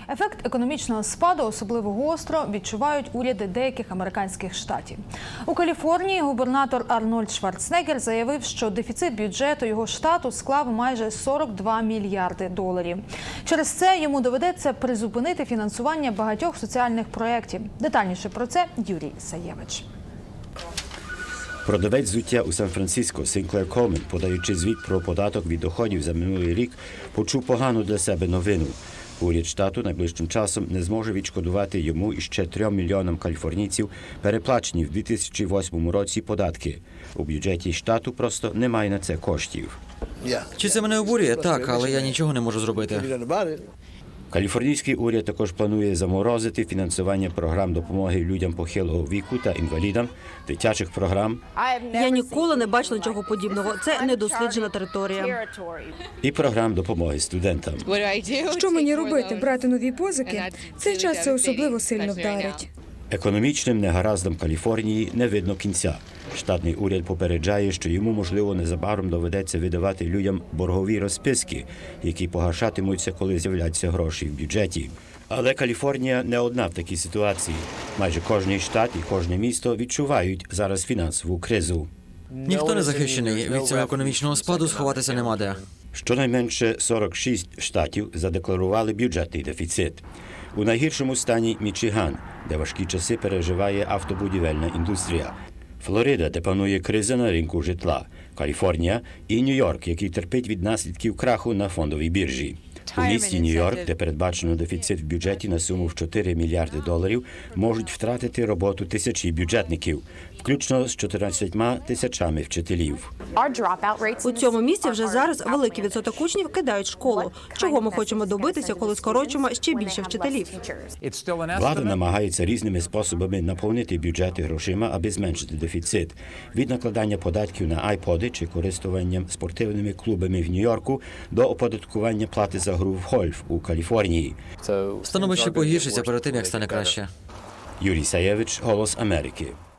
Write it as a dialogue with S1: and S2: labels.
S1: Ефект економічного спаду особливо гостро відчувають уряди деяких американських штатів. У Каліфорнії губернатор Арнольд Шварценеггер заявив, що дефіцит бюджету його штату склав майже 42 мільярди доларів. Через це йому доведеться призупинити фінансування багатьох соціальних проєктів. Детальніше про це Юрій Саєвич.
S2: Продавець взуття у Сан-Франциско Синклер Колмен, подаючи звіт про податок від доходів за минулий рік, почув погану для себе новину. Уряд штату найближчим часом не зможе відшкодувати йому і ще 3 мільйонам каліфорнійців переплачені в 2008 році податки. У бюджеті штату просто немає на це коштів.
S3: Чи це мене обурює? Так, але я нічого не можу зробити.
S2: Каліфорнійський уряд також планує заморозити фінансування програм допомоги людям похилого віку та інвалідам, дитячих програм
S4: Я ніколи не бачила нічого подібного. Це недосліджена територія.
S2: і програм допомоги студентам.
S5: Що мені робити? Брати нові позики? Цей час це особливо сильно вдарить.
S2: Економічним негараздам Каліфорнії не видно кінця. Штатний уряд попереджає, що йому, можливо, незабаром доведеться видавати людям боргові розписки, які погашатимуться, коли з'являться гроші в бюджеті. Але Каліфорнія не одна в такій ситуації. Майже кожний штат і кожне місто відчувають зараз фінансову кризу.
S3: Ніхто не захищений. Від цього економічного спаду сховатися нема де.
S2: Щонайменше 46 штатів задекларували бюджетний дефіцит. У найгіршому стані Мічиган, де важкі часи переживає автобудівельна індустрія. Флорида, де панує криза на ринку житла. Каліфорнія і Нью-Йорк, який терпить від наслідків краху на фондовій біржі. У місті Нью-Йорк, де передбачено дефіцит в бюджеті на суму в 4 мільярди доларів, можуть втратити роботу тисячі бюджетників, включно з 14 тисячами вчителів.
S4: У цьому місті вже зараз великий відсоток учнів кидають школу. Чого ми хочемо добитися, коли скорочимо ще більше вчителів?
S2: Влада намагається різними способами наповнити бюджети грошима, аби зменшити дефіцит. Від накладання податків на айподи чи користуванням спортивними клубами в Нью-Йорку до оподаткування плати за гру в гольф у Каліфорнії.
S3: Становище погіршиться перед тим, як стане краще.
S2: Юрій Саєвич, «Голос Америки».